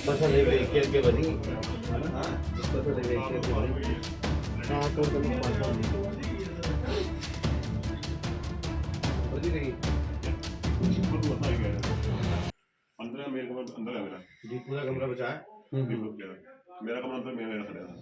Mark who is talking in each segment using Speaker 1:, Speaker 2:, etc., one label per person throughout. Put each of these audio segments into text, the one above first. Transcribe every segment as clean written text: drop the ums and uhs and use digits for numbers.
Speaker 1: पसंद देख के बनी पसंद देख के बनी हाँ तो तुम्हें पसंद बनी नहीं
Speaker 2: 15 मेरे कमरा अंदर है मेरा
Speaker 1: जी पूरा कमरा बचा है
Speaker 2: मेरा कमरा अंदर मेरा खड़ा था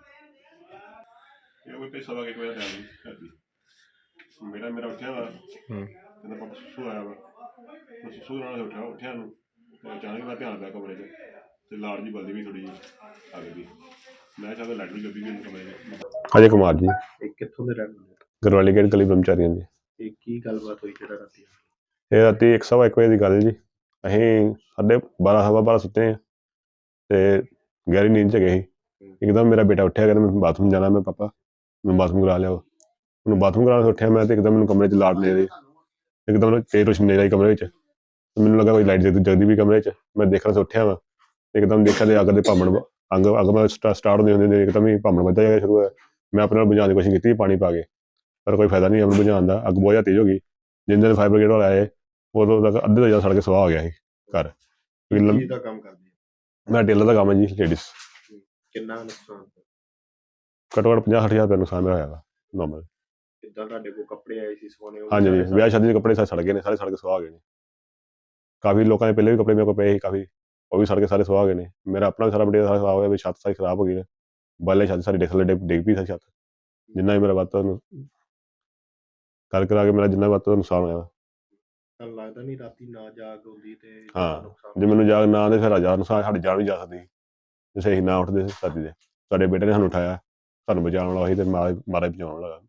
Speaker 2: ये कोई पैसा लगा के कोई टाइम नहीं मेरा मेरा उठा वा कहता पापा सुसू आया वा मैं सुसू ਨਾਲ उठा ਨੂੰ ਅਚਾਨਕ ਮੈਂ ਧਿਆਨ ਪਿਆ ਕਮਰੇ 'ਚ ਤੇ ਲਾੜ ਜੀ ਬਲਦੀ ਵੀ ਥੋੜੀ ਜਿਹੀ ਅੱਗ ਦੀ ਮੈਂ ਚਾਹਦਾ ਲਾਈਟ ਵੀ ਲੱਗੀ ਵੀ ਕਮਰੇ 'ਚ ਅਜੇ ਕੁਮਾਰ ਜੀ
Speaker 1: ਇਹ ਕਿੱਥੋਂ ਦੇ ਰਹਿਣ ਵਾਲੇ
Speaker 2: ਗਰਵਾਲੀ ਗੇਟ ਗਲੀ ਬ੍ਰਹਮਚਾਰੀਆਂ ਦੀ
Speaker 1: ਇਹ ਕੀ ਗੱਲਬਾਤ ਹੋਈ ਜਿਹੜਾ ਰਾਤੀ
Speaker 2: ਇਹ ਰਾਤੀ 1:15 ਵਜੇ ਦੀ ਗੱਲ ਜੀ ਅਸੀਂ 12:30 ਸੁੱਤੇ ਹਾਂ ਤੇ ਗਹਿਰੀ ਨੀਂਦ 'ਚ ਗਏ ਸੀ ਇੱਕਦਮ ਮੇਰਾ ਬੇਟਾ ਉੱਠਿਆ ਕਹਿੰਦਾ ਮੈਂ ਬਾਥਰੂਮ ਜਾਣਾ ਮੈਂ ਪਾਪਾ ਮੈਂ ਬਾਥਰੂਮ ਕਰਾ ਲਿਆ ਉਹਨੂੰ ਬਾਥਰੂਮ ਕਰਾਉਣ ਉੱਠਿਆ ਮੈਂ ਤੇ ਇੱਕਦਮ ਮੈਨੂੰ ਕਮਰੇ 'ਚ ਲਾਟ ਲੈ ਰਹੀ ਇੱਕਦਮ ਤੇਜ਼ ਰੋਸ਼ਨੀ ਆਈ ਕਮਰੇ ਵਿੱਚ ਮੈਨੂੰ ਲੱਗਾ ਕੋਈ ਲਾਈਟ ਜਗਦੀ ਵੀ ਕਮਰੇ 'ਚ ਮੈਂ ਦੇਖਣ ਤੋਂ ਉੱਠਿਆ ਵਾ ਇੱਕਦਮ ਦੇਖਿਆ ਤੇ ਅੱਗ ਦੇ ਭਾਮਣ ਅੱਗ ਮੈਂ ਸਟਾਰਟ ਹੁੰਦੇ ਹੁੰਦੇ ਇੱਕਦਮ ਹੀ ਭਾਮਣ ਵੱਧਦਾ ਜਾਏਗਾ ਸ਼ੁਰੂ ਹੋਇਆ ਮੈਂ ਆਪਣੇ ਨਾਲ ਬੁਝਾਉਣ ਦੀ ਕੋਸ਼ਿਸ਼ ਕੀਤੀ ਪਾਣੀ ਪਾ ਕੇ ਪਰ ਕੋਈ ਫਾਇਦਾ ਨਹੀਂ ਅੱਗ ਬੁਝਾਉਣ ਦਾ ਅੱਗ ਬਹੁਤ ਜ਼ਿਆਦਾ ਤੇਜ਼ ਹੋ ਗਈ ਜਿੰਨੇ ਦਿਨ ਫਾਇਰ ਬ੍ਰਿਗੇਡ ਵਾਲੇ ਆਏ ਉਦੋਂ ਤੱਕ ਅੱਧੇ ਤੋਂ ਜ਼ਿਆਦਾ ਸੜ ਕੇ ਸਵਾਹ ਹੋ ਗਿਆ ਸੀ ਘਰ
Speaker 1: ਕੀ ਦਾ ਕੰਮ ਕਰਦੀ ਹੈ
Speaker 2: ਮੈਂ ਟੇਲਰ ਦਾ ਕੰਮ ਹੈ ਜੀ ਲੇਡੀਜ਼
Speaker 1: ਕਿੰਨਾ ਨੁਕਸਾਨ
Speaker 2: ਘੱਟੋ ਘੱਟ 50-60 ਹਜ਼ਾਰ ਨੁਕਸਾਨ ਮੇਰਾ ਹੋਇਆ ਵਾ ਨੋਰਮਲ
Speaker 1: ਕਿੱਦਾਂ ਤੁਹਾਡੇ ਕੋਲ ਕੱਪੜੇ ਆਏ ਸੀ ਸੋਨੇ
Speaker 2: ਹਾਂਜੀ ਵਿਆਹ ਸ਼ਾਦੀ ਦੇ ਕੱਪੜੇ ਸਾਰੇ ਸੜ ਗਏ ਨੇ ਸਾਰੇ ਸੜ ਕੇ ਸਵਾਹ ਹੋ ਗਏ ਨੇ ਕਾਫੀ ਲੋਕਾਂ ਦੇ ਪਹਿਲੇ ਵੀ ਕੱਪੜੇ ਮੇਰੇ ਕੋਲ ਪਏ ਸੀ ਕਾਫੀ ਉਹ ਵੀ ਸੜ ਕੇ ਸਾਰੇ ਸਵਾਹ ਹੋ ਗਏ ਨੇ ਮੇਰਾ ਆਪਣਾ ਵੀ ਸਾਰਾ ਮਟੀਰੀਅਲ ਸਾਰਾ ਖਰਾਬ ਹੋਇਆ ਵੀ ਛੱਤ ਸਾਰੀ ਖਰਾਬ ਹੋ ਗਈ ਨੇ ਬਾਲੇ ਛੱਤ ਸਾਰੀ ਡਿੱਗ ਪਈ ਸਾਰੀ ਛੱਤ ਜਿੰਨਾ ਵੀ ਮੇਰਾ ਵੱਧ ਤੋਂ ਕਰ ਕਰਾ ਕੇ ਮੇਰਾ ਜਿੰਨਾ ਵੱਧ ਤੋਂ ਨੁਕਸਾਨ ਹੋਇਆ
Speaker 1: ਤਾਂ ਲੱਗਦਾ ਨਹੀਂ ਰਾਤੀ ਨਾ ਜਾਗ ਹੁੰਦੀ ਤੇ
Speaker 2: ਹਾਂ ਜੇ ਮੈਨੂੰ ਜਾਗ ਨਾ ਆਉਂਦੇ ਫਿਰ ਨੁਕਸਾਨ ਸਾਡੀ ਜਾਨ ਵੀ ਜਾ ਸਕਦੀ ਜੇ ਅਸੀਂ ਨਾ ਉੱਠਦੇ ਸਾਡੀ ਦੇ ਸਾਡੇ ਬੇਟੇ ਨੇ ਸਾਨੂੰ ਉਠਾਇਆ ਸਾਨੂੰ ਬਚਾਉਣ ਵਾਲਾ ਸੀ ਤੇ ਮਾਰਾ ਬਚਾਉਣ ਵਾਲਾ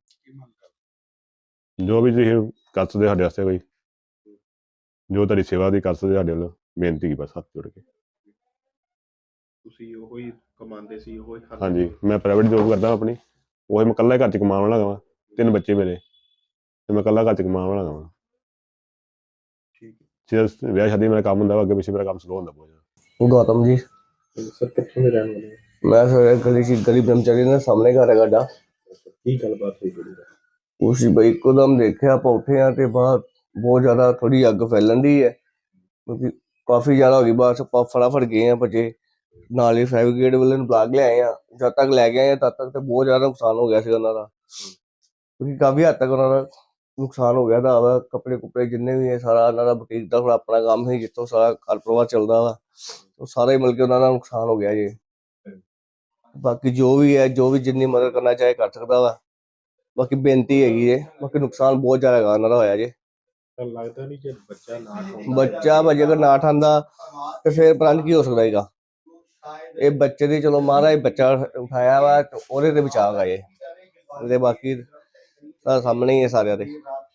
Speaker 2: ਜੋ ਵੀ ਤੁਸੀਂ ਕਰ ਸਕਦੇ ਸਾਡੇ ਵਾਸਤੇ ਕੋਈ ਜੋ ਤੁਹਾਡੀ ਸੇਵਾ ਦੀ ਕਰ ਸਕਦੇ ਸਾਡੇ ਵੱਲੋਂ ਬੇਨਤੀ ਕੀ ਬਸ ਹੱਥ ਜੋੜ ਕੇ
Speaker 1: ਤੁਸੀਂ ਉਹੀ ਕਮਾਉਂਦੇ ਸੀ ਉਹੀ
Speaker 2: ਹਾਂਜੀ ਮੈਂ ਪ੍ਰਾਈਵੇਟ ਜੋਬ ਕਰਦਾ ਆਪਣੀ ਉਹੀ ਮੈਂ ਇਕੱਲਾ ਘਰ 'ਚ ਕਮਾਉਣ ਵਾਲਾ ਗਾ 3 ਬੱਚੇ ਮੇਰੇ ਤੇ ਮੈਂ ਇਕੱਲਾ ਘਰ 'ਚ ਕਮਾਉਣ ਵਾਲਾ ਗਾ ਠੀਕ ਵਿਆਹ ਸ਼ਾਦੀ ਮੇਰਾ ਕੰਮ ਹੁੰਦਾ ਅੱਗੇ ਪਿੱਛੇ ਮੇਰਾ ਕੰਮ ਸਲੋ ਹੁੰਦਾ ਬਹੁਤ ਜ਼ਿਆਦਾ
Speaker 3: गौतम जी
Speaker 1: ਸਰ ਕਿੱਥੋਂ ਦੇ ਰਹਿਣ ਵਾਲੇ
Speaker 3: मैं सर गली ब्रह्मचारी ने सामने घर है गाड़ा
Speaker 1: ਕੀ ਗੱਲਬਾਤ ਹੋਈ ਜਿਹੜੀ
Speaker 3: उसी भाई एकदम देखे आप उठे हैं तो बाहर बहुत ज्यादा थोड़ी अग फैलन दी है क्योंकि काफी ज्यादा हो गई बाहर से फटाफट गए हैं बचे नाल ही फायर ब्रिगेड वाले बुला के ले आए हैं जब तक ले गए हैं तब तक तो बहुत ज्यादा नुकसान हो गया उन्होंने क्योंकि काफी हद तक उन्होंने नुकसान हो गया था कपड़े कुपड़े जिन्ने भी है सारा उन्होंने बुटीक का थोड़ा अपना काम है जितों सारा घर परिवार चलता वा तो सारा ही मिलकर उन्होंने नुकसान हो गया जी बाकी जो भी है जो भी जितनी मदद करना चाहे कर सकता वा बाकी बेनती हैगी है बाकी नुकसान बहुत ज्यादा उन्होंने होया जी
Speaker 1: ਤਾਂ ਲੱਗਦਾ ਨਹੀਂ ਜੇ ਬੱਚਾ ਨਾ
Speaker 3: ਬੱਚਾ ਭਾਜੀ ਅਗਰ ਨਾ ਠਾਂਦਾ ਤੇ ਫਿਰ ਪਤਾ ਨਹੀਂ ਕੀ ਹੋ ਸਕਦਾ ਹੈਗਾ ਇਹ ਬੱਚੇ ਦੀ ਚਲੋ ਮਹਾਰਾਜ ਬੱਚਾ ਉਠਾਇਆ ਵਾ ਉਹਦੇ ਤੇ ਬਚਾਅ ਗਾ ਇਹ ਤੇ ਬਾਕੀ ਤਾਂ ਸਾਹਮਣੇ ਹੀ ਹੈ ਸਾਰਿਆਂ ਦੇ